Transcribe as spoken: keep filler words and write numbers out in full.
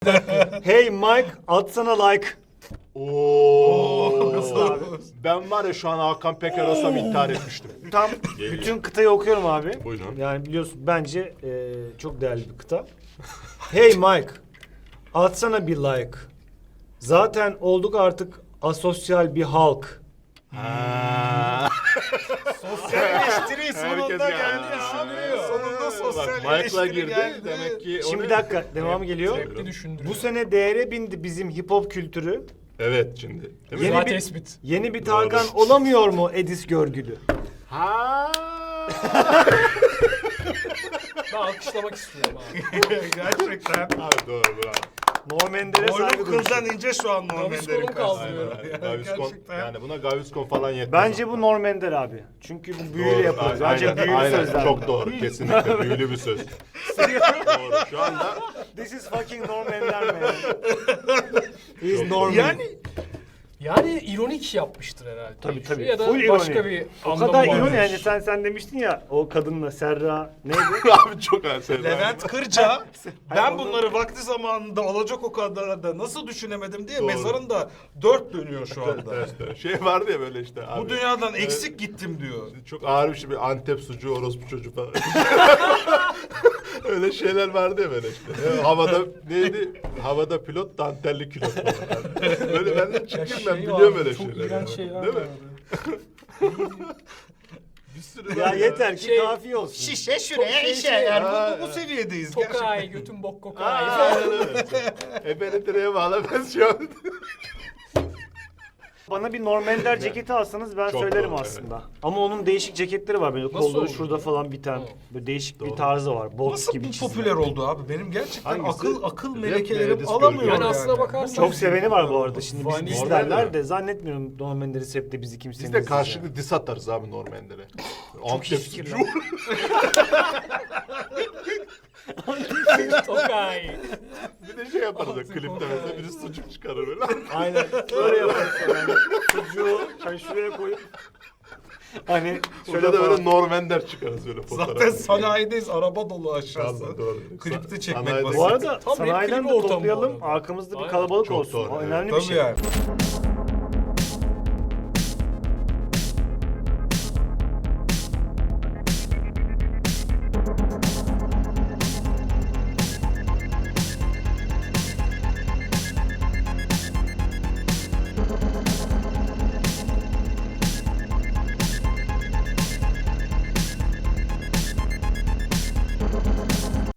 Hey Mike, atsana like. Oo. Nasıl abi? Ben var ya şu an Hakan Peker olsam intihar etmiştim. Tam bütün kıtayı okuyorum abi. Buyurun. Yani biliyorsun bence e, çok değerli bir kıta. Hey Mike, atsana bir like. Zaten olduk artık asosyal bir halk. Ha. Sosyal eleştiri sonunda Herkes geldi geldi. düşündürüyor. Sonunda sosyal Bak, Mike'la eleştiri girdi. geldi. Demek ki Şimdi onu- bir dakika, devamı geliyor. Sürekli düşündürüyor. Bu sene değere bindi bizim hip hop kültürü. Evet şimdi. Değil mi? Yeni Güzel bir, tespit. yeni bir Doğru. Tarkan olamıyor mu Edis Görgülü? Ha. Ben alkışlamak istiyorum abi. Gerçekten. Abi doğru bravo. Norm Ender'e Boynum saygı kıldan duyuyorsun. ince şu an Norm Gaviscon'u Ender'in kaldırıyorum. karşısında. Gaviscon, Gerçekten. yani buna Gaviscon falan yetmez. Bence bu Norm Ender abi. Çünkü bu büyüyle Doğru, yapılır. aynen, Bence büyülü aynen. sözler. Çok doğru. Kesinlikle büyülü bir söz. Doğru. Şu anda This is fucking Norm Ender man. He's Norman. Yani Yani ironik yapmıştır herhalde. Tabii, tabii. Ya da Full başka ironi. bir O anlamı kadar varmış. ironi yani sen sen demiştin ya o kadınla Serra neydi? abi çok ersen. Levent Kırca ben onu- bunları vakti zamanında olacak o kadar da nasıl düşünemedim diye Doğru. mezarında dört dönüyor şu anda. Şey vardı ya böyle işte abi. Bu dünyadan eksik gittim diyor. Çok ağır bir şey, bir Antep sucuğu, orospu çocuğu falan. Öyle şeyler vardı ya böyle işte. Ya, havada neydi? Havada pilot, dantelli külot falan. Böyle ben de Ya çıkayım şey ben var, biliyorum öyle çok şeyler. iğrenç yani. şeyler Değil mi? var. Bir sürü Ya var yeter ki Şey- kafi olsun. Şişe şuraya Çok işe. şey- Yani Ha, bu, bu, bu evet. seviyedeyiz gerçekten. Kokay, götün bok kokay. Aynen öyle. Ebeni direğe bağla ben şu an. Bana bir Norm Ender ceketi alsanız ben Çok söylerim doğru, aslında. Ama onun değişik ceketleri var böyle kolları olur şurada ya? falan biten. Tamam. Böyle değişik bir Doğru. tarzı var. Box Nasıl gibi bu çizilen. popüler oldu abi? Benim gerçekten Hangisi? akıl akıl Rap mi, melekelerim Edis alamıyor Görgülü? Yani aslına bakarsan- Çok seveni var bu arada. Şimdi biz Vanilla bizlerler mi? de zannetmiyorum Norm Ender'i hep de bizi kimsenin Biz de izleyeceği. karşılıklı dis atarız abi Normander'e. Antep fikir sucuğu. Tokay. Bir de şey yaparız ya klipte mesela biri sucuk çıkarır böyle. Aynen. Böyle yaparız yani. Çocuğu hani şuraya koyup hani şöyle Şöyle de böyle falan. Normander çıkarız böyle fotoğrafı. Zaten sanayideyiz, araba dolu aşağısı. Vallahi doğru. Klipte Sa- çekmek sanayide- basit. Bu arada Tam sanayiden rap de klibi ortamı bu toplayalım. arada. Arkamızda bir Aynen. kalabalık Çok olsun. doğru, O evet. önemli bir Tabii şey. yani.